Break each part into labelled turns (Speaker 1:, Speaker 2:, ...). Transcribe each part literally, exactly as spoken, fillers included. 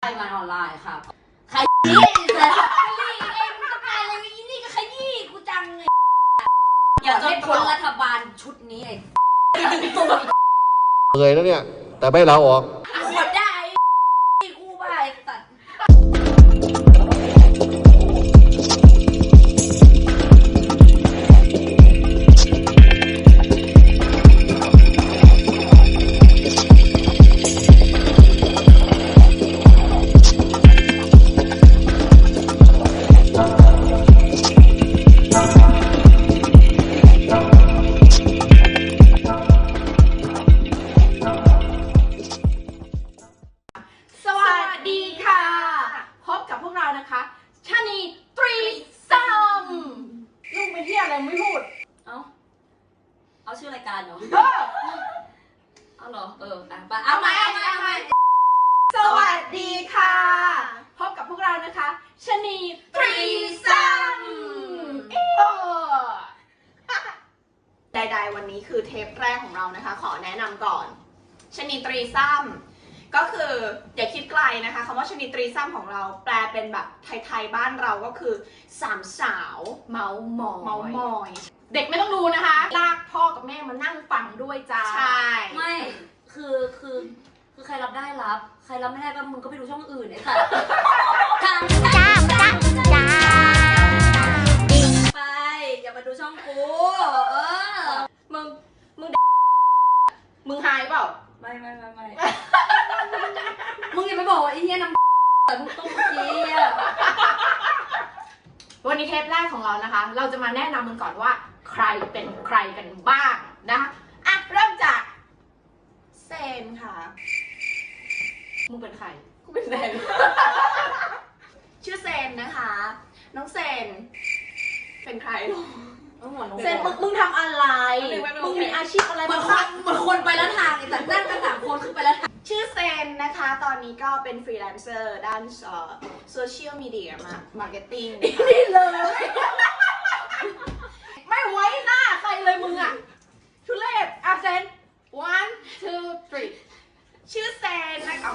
Speaker 1: งานออนไลน์ค่ะขยี้แต่ขยี้เองมึงต้องการอะไรอีนี่ก็ขยี้กูจังไงอย่าให้พ้นรัฐบาลชุดนี้ไอ้ตุ่ม
Speaker 2: เหนื่อยแล้วเนี่ยแต่ไม่ลาออก
Speaker 1: ขดได้กูบ้าไอ้สัตว์เอาชื่อรายการเหรอเอาเหรอเอออ่ะเอาใหม่เอาใหม่เอาใหม่
Speaker 3: สวัสดีค่ะพบกับพวกเรานะคะชนีตรีซัมใดๆวันนี้คือเทปแรกของเรานะคะขอแนะนำก่อนชนีตรีซัมก็คืออย่าคิดไกลนะคะคำว่าชนีตรีซัมของเราแปลเป็นแบบไทยๆบ้านเราก็คือสามสาวเมาหมอยเมาหมอยเด็กไม่ต้องดูนะคะลากพ่อกับแม่มานั่งฟังด้วยจ้าใช่
Speaker 1: ไม่คือคือคือใครรับได้รับใครรับไม่ได้ก็มึงก็ไปดูช่องอื่นไอ้สัตว์จ้าจ้าจ้าไปอย่ามาดูช่องกูเออ
Speaker 3: มึงมึงมึงหายเปล่า
Speaker 1: ไม่ไม่ไม่ไม่มึงอย่าไปบอกว่าไอ้เหี้ยน้ำแต่มึงต้องเมื่อกี้อะ
Speaker 3: วันนี้เทปแรกของเรานะคะเราจะมาแนะนำมึงก่อนว่าใครเป็นใครกันบ้างนะคะอ่ะเริ่มจากเซนค่ะมึงเป็นใครกูเป็นเซน ชื่อเซนนะคะน้องเซนเป็นใครหรอเซนมึงมึงทำอะไรมึงมีอาชีพอะไร
Speaker 1: เหมือนคนเหมือนคนไปแล้วทางไอ้สัตว์นั่งกันสามคนขึ้นไปแล้วทาง
Speaker 3: ชื่อเซนนะคะตอนนี้ก็เป็นฟรีแลนเซอร์ด้านโซเชียลมีเดียมามาร์เก็ตติ้งนี่เลยไม่ไว้หน้าใครเลยมึงอ่ะทุเรศอ่ะเซน one two three ชื่อเซนนะคะ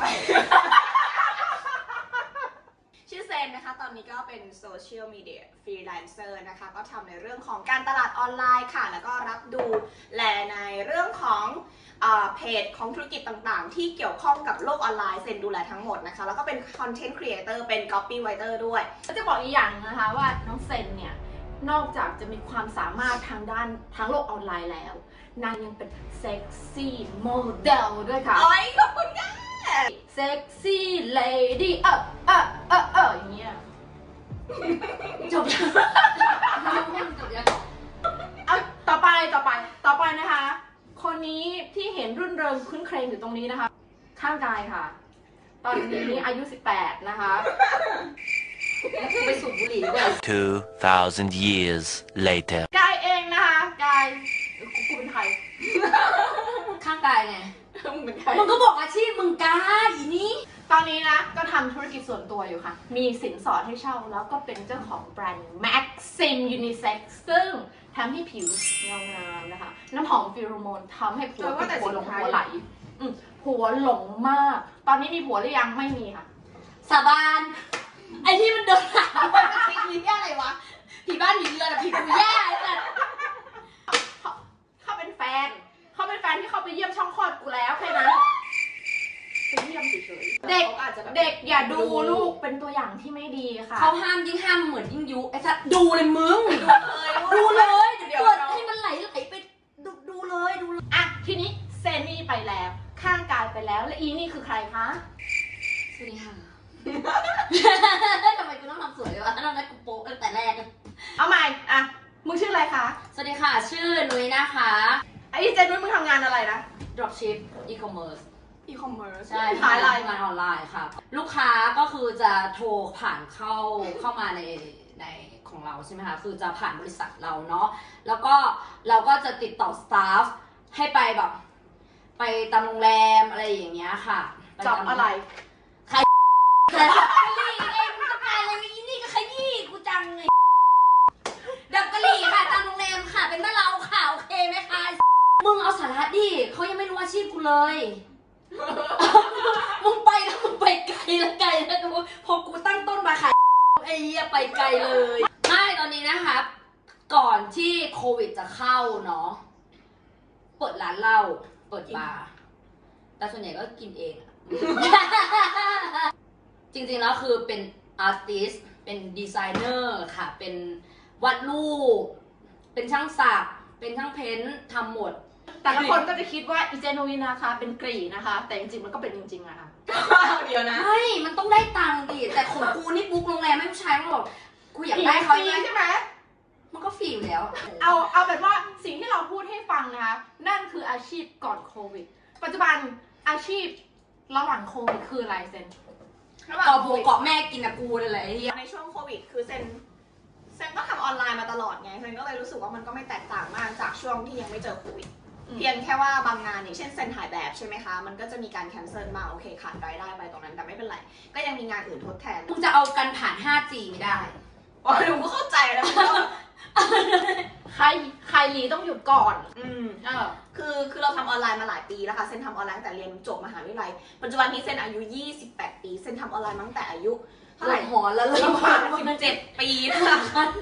Speaker 3: ชื่อเซนนะคะตอนนี้ก็เป็นโซเชียลมีเดียฟรีแลนเซอร์นะคะก็ทำในเรื่องของการตลาดออนไลน์ค่ะแล้วก็รับดูแลในเรื่องของเพจของธุรกิจต่างๆที่เกี่ยวข้องกับโลกออนไลน์เซนดูแลทั้งหมดนะคะแล้วก็เป็นคอนเทนต์ครีเอเตอร์เป็นก๊อปปี้ไรเตอร์ด้วยจะบอกอีกอย่างนะคะว่าน้องเซนเนี่ยนอกจากจะมีความสามารถทางด้านทางโลกออนไลน์แล้วนางยังเป็นเซ็กซี่โมเดลด้วยค่ะโอ้ยขอบคุณค่ะเซ็กซี่เลดี้เออเออเออเอออย่างเงี้ยจบยังจบยังเอาต่อไปต่อไปต่อไปนะคะคนนี้ที่เห็นรุ่นเริงคุ้นเครงอยู่ตรงนี้นะคะข้างกายค่ะตอนนี้อายุสิบแปดนะคะ
Speaker 1: ไปสูบบุหรี่ด้วย
Speaker 4: two thousand years later
Speaker 3: กายเองนะคะกายกูเป็นใคร
Speaker 1: ข้างกายไง
Speaker 3: มึงเป็นใคร
Speaker 1: มึงก็บอกอาชีพมึงกายอีนี้
Speaker 3: ตอนนี้นะก็ทำธุรกิจส่วนตัวอยู่ค่ะมีสินสอดให้เช่าแล้วก็เป็นเจ้าของแบรนด์ Maxim Unisex ซึ่งทำให้ผิวเงางามนะคะน้ำหอมฟิโรโมนทำให้ผัวเป็นผัวหลงผัวไหลผัวหลงมากตอนนี้มีผัวหรือยังไม่มีค่ะ
Speaker 1: สาบานไอ้ที่มันเดินหาว่าผีผีแย่อะไรวะผีบ้านผีเรือนอะผีกูแย่ไอ้สัส
Speaker 3: เขาเป็นแฟนเขาเป็นแฟนที่เขาไปเยี่ยมช่องคลอดกูแล้วแค่นั้นไปเยี่ยมเฉยๆเด็กเด็กอย่าดูลูกเป็นตัวอย่างที่ไม่ดีค่ะ
Speaker 1: เขาห้ามยิ่งห้ามเหมือนยิ่งยุไอ้สัสดูเลยมึงดูเลยเดี๋ยวเปิดให้มันไหลไหลไปดูดูเลยดูเลย
Speaker 3: อ่ะทีนี้เซนี่ไปแล้วข้างกายไปแล้วและอีนี่คือใครคะ
Speaker 1: สวัสดีค่ะทำไมกูต้องทำสวยวะทำไมกูโป๊ะตั้งแต่แรก
Speaker 3: เอาใหม่อ่ะมึงชื่ออะไรคะ
Speaker 1: สวัสดีค่ะชื่อนุ้ยนะคะ
Speaker 3: ไอ้เจนนุ้ยมึงทำงานอะไรนะ
Speaker 1: dropship e-commerce
Speaker 3: e-commerce
Speaker 1: ใช่ทำงานออนไลน์ค่ะลูกค้าก็คือจะโทรผ่านเข้าเข้ามาในในของเราใช่ไหมคะคือจะผ่านบริษัทเราเนาะแล้วก็เราก็จะติดต่อสตาฟให้ไปแบบไปตามโรงแรมอะไรอย่างเงี้ยค่ะ
Speaker 3: จ็อบอะไร
Speaker 1: ใครแต่ขยี้เองมึงต้องการอะไรอีนี่ก็ขยี้กูจังไงดับกะหรี่ค่ะตามโรงแรมค่ะเป็นบ้านเราค่ะโอเคไหมคะมึงเอาสาระดิเขายังไม่รู้อาชีพกูเลยมึงไปแล้วมึงไปไกลแล้วไกลอ้เหี้ยไปไกลเลยไม่ตอนนี้นะครับ ก่อนที่โควิดจะเข้าเนาะเปิดร้านเหล้าเปิดบาร์แต่ส่วนใหญ่ก็กินเองอะ จริงๆแล้วคือเป็นอาร์ติสเป็นดีไซเนอร์ค่ะ เป็นวาดรูปเป็นช่างสักเป็นช่างเพ้นท์ทำหมด
Speaker 5: แต่ละคนก็จะคิดว่าอีเจโนวินนะคะเป็นกรีนะคะ แต่จริงๆมันก็เป็นจริงๆอะค่ะ
Speaker 3: เดี๋ยวนะ
Speaker 1: ใช่มันต้องได้ตังค์ดิแต่ของกูนี่บุ๊กโรงแรมไม่ผู้ชายมันบอกกูอยากได้เขา
Speaker 5: ฟรีใช่ไหม
Speaker 1: มันก็ฟรีอยู่แล้ว
Speaker 5: เอาเอาเป็นว่าสิ่งที่เราพูดให้ฟังนะคะนั่นคืออาชีพก่อนโควิด ปัจจุบันอาชีพระหว่างโควิดคืออะไรเซน
Speaker 1: เกาะผัวเกาะแม่กินกับกูเลยแหละไอ้เหี้ย
Speaker 3: ในช่วงโควิดคือเซนเซนก็ทำออนไลน์มาตลอดไงเซนก็เลยรู้สึกว่ามันก็ไม่แตกต่างมากจากช่วงที่ยังไม่เจอโควิดเพียงแค่ว่าบางงานอย่างเช่นเซนถ่ายแบบใช่ไหมคะมันก็จะมีการแคนเซิลมาโอเคขาดรายได้ไปตรงนั้นแต่ไม่เป็นไรก็ยังมีงานอื่นทดแทน
Speaker 1: มึงจะเอากันผ่าน ห้าจี ไม่ได้
Speaker 3: อ๋อหนูก็เข้าใจแล้วมันก็
Speaker 5: ใครใครรีต้องหยุดก่อน
Speaker 3: อืม
Speaker 5: เออ
Speaker 3: คือคือเราทำออนไลน์มาหลายปีแล้วค่ะเซนทำออนไลน์ตั้งแต่เรียนจบมหาวิทยาลัยปัจจุบันนี้เซนอายุยี่สิบแปดปีเซนทำออนไลน์มาตั้งแต่อายุเท่าไหร่
Speaker 1: หอนแล้วเลย
Speaker 3: สิบห้าสิบเจ็ดปีนะคะ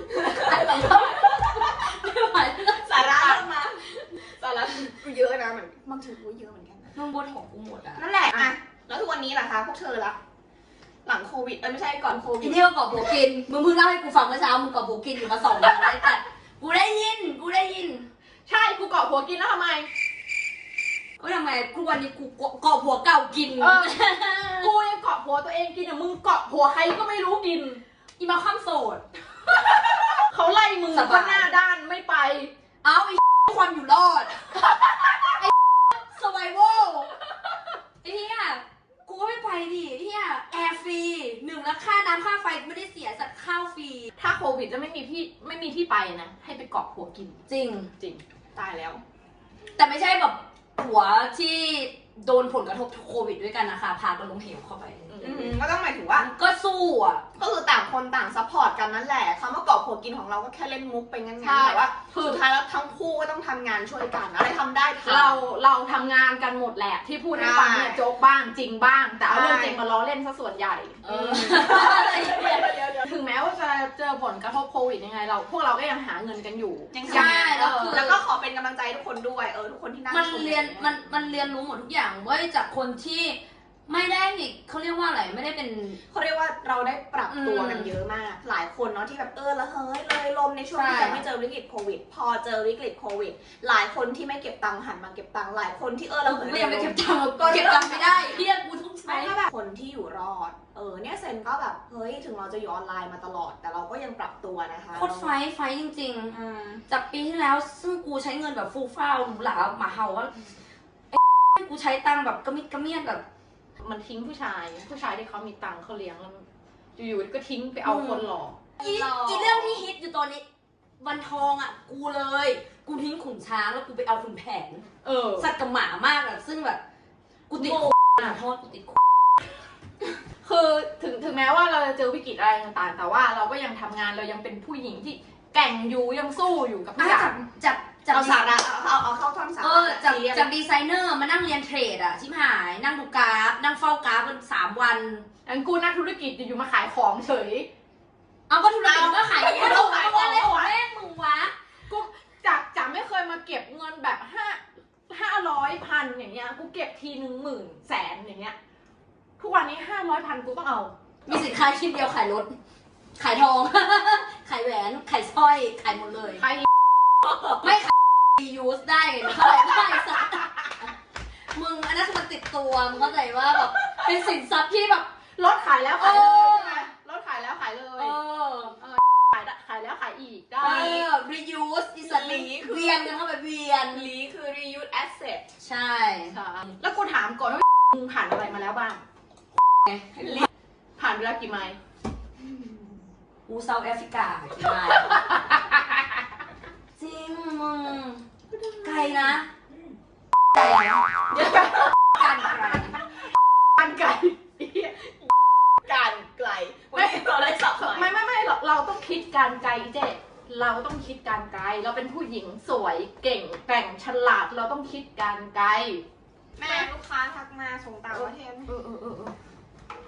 Speaker 3: สาระเริ่มมาสาระกูเยอะนะเหมือนบางทีกูเยอะเหมือนกันนะ
Speaker 1: มึงบนของกูหมดอ่ะ
Speaker 3: นั่นแหละอะแล้วทุกวันนี้ล่ะคะพวกเธอละหลังโควิดเออไม่ใช่ก่อนโควิ
Speaker 1: ไอ้
Speaker 3: ด
Speaker 1: นี่ก็เกาะผัวกิน มึงเพิ่งเล่าให้กูฟังเมื่อเช้า มึงเกาะผัวกินอยู่มาสองวันแล้วแต่กูได้ยิน กูได้ยิน
Speaker 5: ใช่กูเกาะหัวกินแล้วทำไม
Speaker 1: ก็ทำไมกูวันนี้กูเกาะผัวเก่ากิน
Speaker 5: เออ กูยังเกาะหัวตัวเองกินอ่ะมึงเกาะหัวใครก็ไม่รู้กิน
Speaker 1: อีมาข้ามโสด
Speaker 5: เขาไล่มึง
Speaker 1: สบาย
Speaker 5: ก็หน้าด้านไม่ไป
Speaker 1: เอาไอ้ ความอยู่รอด ไอ้ survival ไอ้เหี้ยกูก็ไม่ไปดิไอ้เหี้ยแอร์ฟรีหนึ่งแล้วค่าน้ำค่าไฟไม่ได้เสียสักข้าวฟรี
Speaker 5: ถ้าโควิดจะไม่มีพี่ไม่มีที่ไปนะ ให้ไปเกาะหัวกิน
Speaker 1: จริง
Speaker 5: จริง
Speaker 3: ตายแล้ว
Speaker 1: แต่ไม่ใช่แบบผัวที่โดนผลกระทบโควิดด้วยกันนะคะ พากันลงเหวเข้าไป
Speaker 3: อืมก็ต้องหมายถึงว่า
Speaker 1: ก็สู้อ่ะ
Speaker 3: ก็คือต่างคนต่างซัพพอร์ตกันนั่นแหละคำว่าเกาะผัวกินของเราก็แค่เล่นมุกไปงั้น
Speaker 5: ใช่
Speaker 3: ๆแต่ว่าสุดท้ายแล้วทั้งคู่ก็ต้องทำงานช่วยกันอะไรทำได้ทำ
Speaker 5: เราเราทำงานกันหมดแหละ ที่พูดให้ฟังเนี่ย
Speaker 3: ใช่
Speaker 5: โจ๊กบ้างจริงบ้าง แต่เอาเรื่อง
Speaker 3: ใช่
Speaker 5: จริงมาล้อเล่นซะส่วนใหญ่
Speaker 1: เออ
Speaker 5: ถึงแม้ว่าจะเจอผลกระทบโควิดยังไงเราพวกเราก็ยังหาเงินกันอยู่
Speaker 3: ยัง
Speaker 1: ใช่
Speaker 3: ทำงาน
Speaker 1: แล้วคือ
Speaker 3: แล้วก็ขอเป็นกำลังใจทุกคนด้วยเออทุกคนที่นั่ง
Speaker 1: มัน
Speaker 3: ช
Speaker 1: เรียนมันมันเรียนรู้หมดทุกอย่างเว้ยจากคนที่ไม่ได้เขาเรียกว่าอะไรไม่ได้เป็น
Speaker 3: เขาเรียกว่าเราได้ปรับตัว
Speaker 1: อืม
Speaker 3: กันเยอะมาก หลายคนเนาะที่แบบเออละเฮ้ยเลยลมในช่วงที่
Speaker 1: ใช่
Speaker 3: ยังไม่เจอวิกฤตโควิด พอเจอวิกฤตโควิด หลายคนที่ไม่เก็บตังค์หันมาเก็บตังค์หลายคนที่เออละ
Speaker 1: กู
Speaker 3: เฮ้ย
Speaker 1: ก็ยังไม่เก็บตังค์ก็เก็บตังค์ไม่ได้เฮียกูต้องใช้
Speaker 3: ไม่ก็แบบคนที่อยู่รอดเออเนี่ยเซนก็แบบเฮ้ยถึงเราจะอยู่ออนไลน์มาตลอด แต่เราก็ยังปรับตัวนะคะ
Speaker 1: โคตรไฟท์ไฟท์จริง
Speaker 3: อืม
Speaker 1: ๆ จากปีที่แล้วซึ่งกูใช้เงินแบบฟูฟ้าวหรูหราหมาเห่าว่าไอ้กูใช้ตังค์แบบกระมิดกระเมียนแบบ
Speaker 5: มันทิ้งผู้ชาย ผู้ชายที่เขามีตังค์เขาเลี้ยงแล้วอยู่ๆก็ทิ้งไปเอาคนหลอก
Speaker 1: อีอีเรื่องที่ฮิตอยู่ตอนนี้วันทองอ่ะ กูเลย กูทิ้งขุนช้างแล้วกูไปเอาขุนแผน
Speaker 5: เออ
Speaker 1: สัตว์กับหมามากอะซึ่งแบบ กูติดคุกอ่ะโทษกูติดคุก
Speaker 5: คือถึงถึงแม้ว่าเราจะเจอวิกฤตอะไรต่างๆ แต่ว่าเราก็ยังทำงานเรายังเป็นผู้หญิงที่แกร่งอยู่ยังสู้อยู่กับทุกอ
Speaker 1: อ่ะ
Speaker 5: ย่าง
Speaker 1: จากจาก
Speaker 3: เอาสาระเอาเอาเอาเข้าท่อนสาระ
Speaker 1: เออจาก
Speaker 3: ซีเรียส
Speaker 1: จากดีไซเนอร์มานั่งเรียนเทรดอะชิบหาย นั่งดูกราฟ นั่งเฝ้ากราฟกันสามวัน
Speaker 5: อันกูนักธุรกิจอยู่ๆมาขายของเฉย
Speaker 1: เอาก็ธุรกิจก็ขายของ
Speaker 5: เอา
Speaker 1: เอา
Speaker 5: ขายของ
Speaker 1: อะไรของแม่งมึงวะ
Speaker 5: กูจากจากไม่เคยมาเก็บเงินแบบห้าห้าร้อยพันอย่างเงี้ยกูเก็บทีหนึ่งหมื่นแสนอย่างเงี้ยทุกวันนี้ห้าร้อยพันกูต้องเอา
Speaker 1: มีสินค้าชิ้นเดียวขายรถ ขายทอง ขายแหวน ขายสร้อย ขายหมดเลย
Speaker 5: ใคร
Speaker 1: ไม่ขายยูสได้ไงเท่าไหร่ได้สักมึงอันนั้นคือมันติดตัว มึงเข้าใจว่าแบบเป็นสินทรัพย์ที่แบบ
Speaker 5: รถขายแล้วขายเลยใช่ไหมรถขายแล้วขายเล
Speaker 1: เอย อ
Speaker 5: ขายได้ขายแล้วขายอีกได้
Speaker 1: เออ reuse อีสัตว์เวียนกันเข้าไปเวียน
Speaker 3: ลีคือ reuse asset
Speaker 1: ใช่
Speaker 5: แล้วกูถามก่อนว่ามึงผ่านอะไรมาแล้วบ้าง ผ่านไปแล้วกี่ไมล์
Speaker 1: กูเซาท์แอฟริกากี่ไมล์จริงมึงไกลนะไกลนะการไกล
Speaker 5: การไกล
Speaker 3: การไกลวันนี้เราได้สับใหม่
Speaker 5: ไม่ไม่ไม่เราเราต้องคิดการไกลเจ๊เราต้องคิดการไกล เราเป็นผู้หญิงสวยเก่งแกร่งฉลาดเราต้องคิดการไกล
Speaker 3: แม่ลูกค้าทักมาส่งต่างประเทศ
Speaker 5: เออเออเออเออ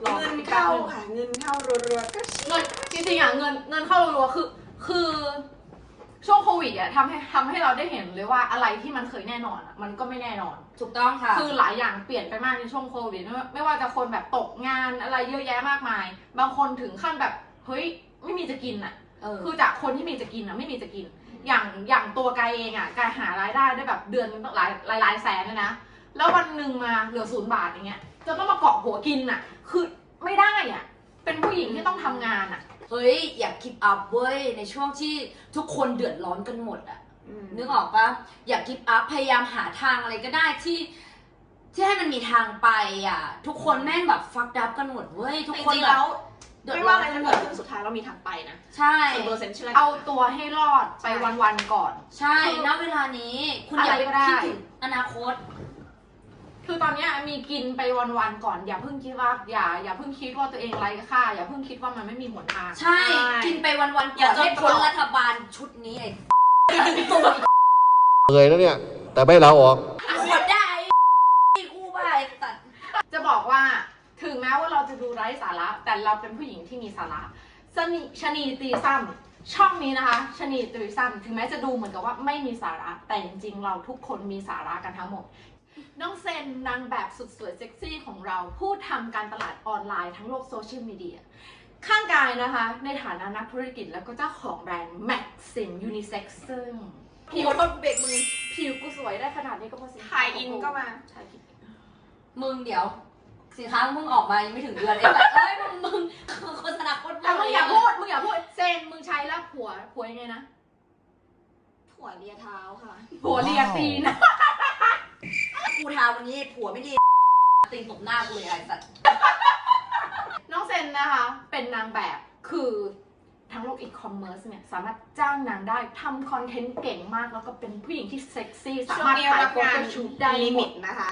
Speaker 5: รอ
Speaker 3: เงิน
Speaker 5: อีกแป๊บ
Speaker 3: เข้า
Speaker 5: นึง
Speaker 3: ค่ะเงินเข้ารัวๆก็ชิ
Speaker 5: เงินจริงๆอ่ะเงินเงินเข้ารัวๆคือคือช่วงโควิดอ่ะทำให้ทำให้เราได้เห็นเลยว่าอะไรที่มันเคยแน่นอนอ่ะมันก็ไม่แน่นอน
Speaker 1: ถูกต้องค่ะ
Speaker 5: คือหลายอย่างเปลี่ยนไปมากในช่วงโควิดไม่ว่าไม่ว่าจะคนแบบตกงานอะไรเยอะแยะมากมาย บางคนถึงขั้นแบบเฮ้ยไม่มีจะกินอ่ะ
Speaker 1: เออ
Speaker 5: คือจากคนที่มีจะกินอ่ะไม่มีจะกิน อย่างอย่างตัวกายเองอ่ะกายหารายได้ได้แบบเดือนนึงหลายหลายหลายแสนเลยนะแล้ววันหนึ่งมาเหลือศูนย์บาทอย่างเงี้ยจะต้องมาเกาะหัวกินอ่ะคือไม่ได้อ่ะเป็นผู้หญิงที่ต้องทำงานอ่ะ
Speaker 1: เฮ้ยอย่า keep up เว้ยในช่วงที่ทุกคนเดือดร้อนกันหมดอะ
Speaker 3: อืม
Speaker 1: นึกออกปะอย่า keep up พยายามหาทางอะไรก็ได้ที่ ที่ให้มันมีทางไปอะทุกคนแม่งแบบ fucked up กันหมดเว้ยทุก
Speaker 3: จ
Speaker 1: คน
Speaker 3: ริงๆ
Speaker 1: แบ
Speaker 3: แล้
Speaker 1: บ
Speaker 3: ว
Speaker 1: เดือด
Speaker 3: ไม่
Speaker 1: ร้อ
Speaker 3: ว่าน อะไร
Speaker 1: กัน
Speaker 3: จะ
Speaker 1: หม
Speaker 3: เกิด
Speaker 1: ด
Speaker 3: ขึ้นสุดท้ายเรามีทางไปนะ
Speaker 1: ใช่
Speaker 3: ส่วนตัวเซนเชื่อ
Speaker 5: เอาตัวให้รอดไปวันๆก่อน
Speaker 1: ใช่ณเวลานี้คุณอย่า
Speaker 5: อะไร
Speaker 1: ไป
Speaker 5: ก็ได้
Speaker 1: คิดถึงอนาคต
Speaker 5: คือตอนเนี้ยมีกินไปวันๆก่อนอย่าเพิ่งคิดว่าอย่าอย่าเพิ่งคิดว่าตัวเองไร้ค่าอย่าเพิ่งคิดว่ามันไม่มีหนทาง
Speaker 1: ใช่ กินไปวันๆก่อน
Speaker 3: อย่าจน
Speaker 1: ให้พ้น
Speaker 3: ตรอก
Speaker 1: รัฐบาลชุดนี้ไอ้ตัว
Speaker 2: เหนื่อยแล้วเนี่ย แต่ไม่ลาออก
Speaker 1: ขวดได้ไอ้กูบ้าไอ้สัตว์
Speaker 5: จะบอกว่าถึงแม้ว่าเราจะดูไร้สาระ แต่เราเป็นผู้หญิงที่มีสาระชนีชนีตีซ้ำช่องนี้นะคะชนีตีซ้ำถึงแม้จะดูเหมือนกับว่าไม่มีสาระ แต่จริงๆเราทุกคนมีสาระกันทั้งหมด น้องเซนนางแบบสุดสวยเซ็กซี่ของเราผู้ทำการตลาดออนไลน์ทั้งโลกโซเชียลมีเดียข้างกายนะคะ ในฐานะนักธุรกิจแล้วก็เจ้าของแบรนด์ Maxim Unisex ซึ่ง
Speaker 3: ผิวทนเบรกมือ
Speaker 5: ผิวกูสวยได้ขนาดนี้ก็เพราะสินค้
Speaker 3: ถ่ายอินก็มา
Speaker 5: ถ่ายอิน
Speaker 1: มึงเดี๋ยวสินค้ามึงออกมายังไม่ถึงเดือนเองแบบเอ้ยมึงมึงคือโฆษณาโคตร
Speaker 5: แต่มึงอย่าพูดมึงอย่าพูดเซนมึงใช้แล้วผัวผัวยังไงนะ
Speaker 3: ถั่วเลียเท้าค่ะ
Speaker 5: ผัวเรียตีน
Speaker 1: กูทาวันนี้ผัวไม่ดีตีนตบหน้ากูเลยไอ้สัตว์
Speaker 5: น้องเซนนะคะเป็นนางแบบคือทั้งโลกอีคอมเมิร์ซเนี่ยสามารถจ้างนางได้ทำคอนเทนต์เก่งมากแล้วก็เป็นผู้หญิงที่เซ็กซี่สา
Speaker 3: ช่วง
Speaker 5: มารถ
Speaker 3: นี้
Speaker 5: ถ่าย
Speaker 3: รับ
Speaker 5: โฟ
Speaker 3: งา
Speaker 5: โต้
Speaker 3: น
Speaker 5: ชูตได้
Speaker 3: ลิ
Speaker 5: หม
Speaker 3: มิ
Speaker 5: ด
Speaker 3: ตนะคะ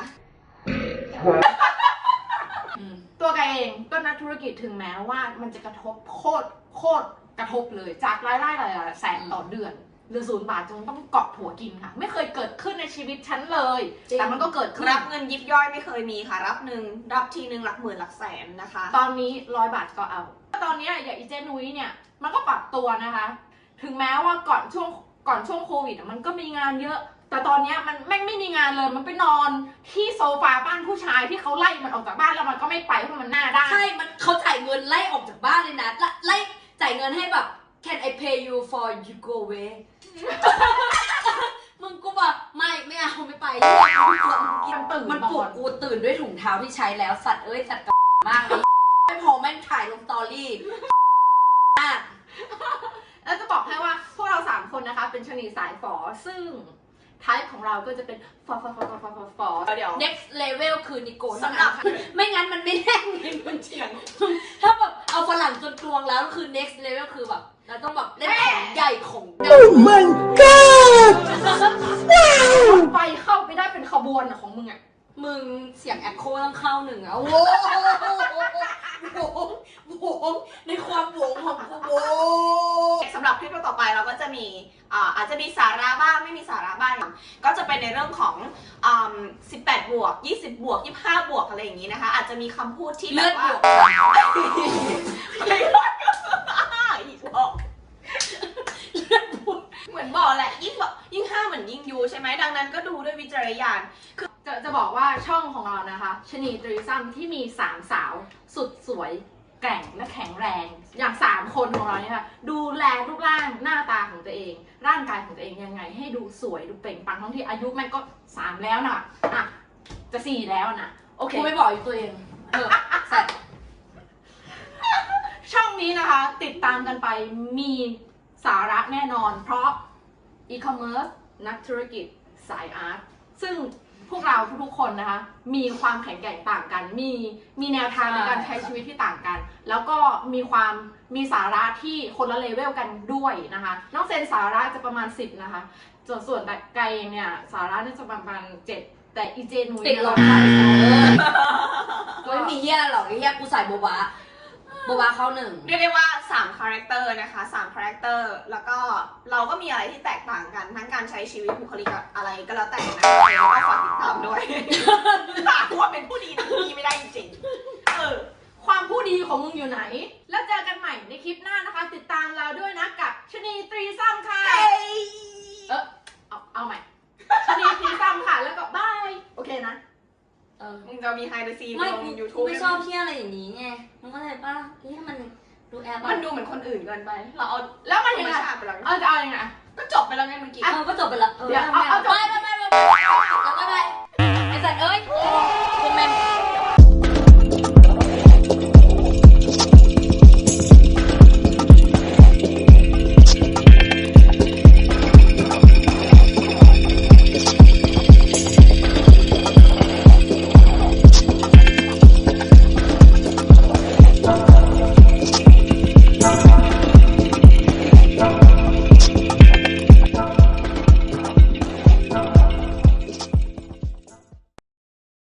Speaker 1: อืม
Speaker 5: ตัวแกเองก็นักธุรกิจถึงแม้ว่ามันจะกระทบโคตรโคตรกระทบเลยจากรายได้หลายๆแสนต่อเดือนหรือศูนย์บาทจนต้องเกาะผัวกินค่ะ ไม่เคยเกิดขึ้นในชีวิตฉันเลย
Speaker 1: จริง
Speaker 5: แต่มันก็เกิดขึ้น
Speaker 3: รับเงินยิบย่อยไม่เคยมีค่ะ รับหนึ่งรับทีหนึ่งหลักหมื่นหลักแสนนะคะ
Speaker 5: ตอนนี้ร้อยบาทก็เอา ตอนเนี้ยอย่างอีเจนุ้ยเนี่ยมันก็ปรับตัวนะคะ ถึงแม้ว่าก่อนช่วงก่อนช่วงโควิดอะมันก็มีงานเยอะ แต่ตอนเนี้ยมันแม่งไม่มีงานเลย มันไปนอนที่โซฟาบ้านผู้ชายที่เขาไล่มันออกจากบ้านแล้วมันก็ไม่ไปเพราะมันหน้าด้าน
Speaker 1: ใช่ มันเขาจ่ายเงินไล่ออกจากบ้านเลยนะไล่ไล่จ่ายเงินให้แบบ can I pay you for you go away มึงกูแบบไม่ไม่เอาไม่ไป
Speaker 5: มันตื่น
Speaker 1: มันปลุกกูตื่นด้วยถุงเท้าที่ใช้แล้วสัตว์เอ้ยสัตว์กับมากเลยไม่พอแม่งถ่ายลงสตอรี่มาก
Speaker 5: แล้วจะบอกให้ว่าพวกเราสามคนนะคะ เป็นชนีสายฝอซึ่งไทป์ของเราก็จะเป็นฟอฟอฟอฟอฟอฟอฟอ
Speaker 3: เดี๋ยว
Speaker 1: next level คือนิโก้
Speaker 3: สำหรับ
Speaker 1: ไม่งั้นมันไม่แน่ไงมันเถียงถ้าแบบเอาฝรั่งจนกลวงแล้วคือ next level คือแบบเราต้องแบบเล่นของใหญ่ของดัง
Speaker 2: my god
Speaker 5: ไฟเข้าไปได้เป็นขบวนอะของมึงอะ
Speaker 1: มึงเสียงแอคโคต้องเข้าหนึ่งอะโว้โหโหงในความโหวงของกูโว้
Speaker 3: สำหรับคลิปต่อไปเราก็จะมีอ่าอาจจะมีสาระบ้างไม่มีสาระบ้างก็จะเป็นในเรื่องของอ่าสิบแปดบวกยี่สิบบวกยี่สิบห้าบวกอะไรอย่างนี้นะคะ อาจจะมีคำพูดที่แบ
Speaker 1: เลือบ ด
Speaker 3: ว่า
Speaker 1: บวก
Speaker 3: อีกบอกเหมือนบอกแหละยิ่งบอกยิ่งห้าเหมือนยิ่งยูใช่ไหมดังนั้นก็ดูด้วยวิจารณญาณ
Speaker 5: จะจะบอกว่าช่องของเรานะคะชนีตรีซัมที่มีสามสาวสุดสวยแกร่งและแข็งแรง อย่างสามคนของเราเนี่ยค่ะดูแลรูปร่างหน้าตาของตัวเอง ร่างกายของตัวเองยังไง ให้ดูสวยดูเปล่งปลั่งทั้งที่อายุแม่งก็สามแล้วนะอ่ะจะสี่แล้วนะโอเค
Speaker 1: กูไม่บอกอยู่ตัวเอง เออสัตว์
Speaker 5: ช่องนี้นะคะ ติดตามกันไปมีสาระแน่นอน เพราะอีคอมเมิร์ซนักธุรกิจสายอาร์ตซึ่งพวกเราทุกๆคนนะคะ มีความแข็งแกร่งต่างกัน มีมีแนวทางในการใช้ชีวิตที่ต่างกัน แล้วก็มีความมีสาระที่คนละเลเวลกันด้วยนะคะน้องเซนสาระจะประมาณสิบนะคะส่วนส่วนแต่ไกลเองเนี่ยสาระน่าจะประมาณเจ็ดแต่อีเจนุ้ย
Speaker 1: ติด
Speaker 5: เนี่ย
Speaker 1: ลมไปกูไม่มีเหี้ยหรอกไอ้เหี้ยกูใส่โบบาโบบาเข้าหนึ่ง
Speaker 3: เรียกได้ว่าสามคาแรคเตอร์นะคะสามคาแรคเตอร์แล้วก็เราก็มีอะไรที่แตกต่างกันทั้งการใช้ชีวิตบุคลิกอะไรก็แล้วแต่นะแล้วก็ฝากติดตามด้วย หาว่าเป็นผู้ดีนะผู้ดีไม่ได้จริงๆเออ
Speaker 5: ความผู้ดีของมึงอยู่ไหน แล้วเจอกันใหม่ในคลิปหน้านะคะ ติดตามเราด้วยนะกับชนีตรีซ้ำค่ะเออเอาเอาใหม่ชนีตรีซ้ำค่ะแล้วก็บายโอเคนะ
Speaker 1: เออ
Speaker 3: มึงจะมีไฮเดอร์ซี
Speaker 1: ไม่
Speaker 3: ลง
Speaker 1: กู
Speaker 3: ยู
Speaker 1: กู
Speaker 3: ทูบ
Speaker 1: ไม่ชอบเที่ยอะไรอย่างนี้ไงมึงเข้าใจป่ะที่ให้มันดูแอป
Speaker 3: มันดูเหมือนคนอื่นเกินไป เราเอา
Speaker 5: แล้วมัน
Speaker 3: ธร
Speaker 5: ยัง
Speaker 3: รม
Speaker 5: ไง
Speaker 3: ชาติไปแล้ว
Speaker 5: เออจะเอายังไง
Speaker 3: ก็จบไปแล้วไงเมื่อกี้
Speaker 1: เออก็จบไปละ
Speaker 5: เดี๋ยวเอาเอาจบ
Speaker 1: ไม่ไม่ไม่ไม่ไม่ไม่ไม่ไม่ไอ้สัตว์เอ้ย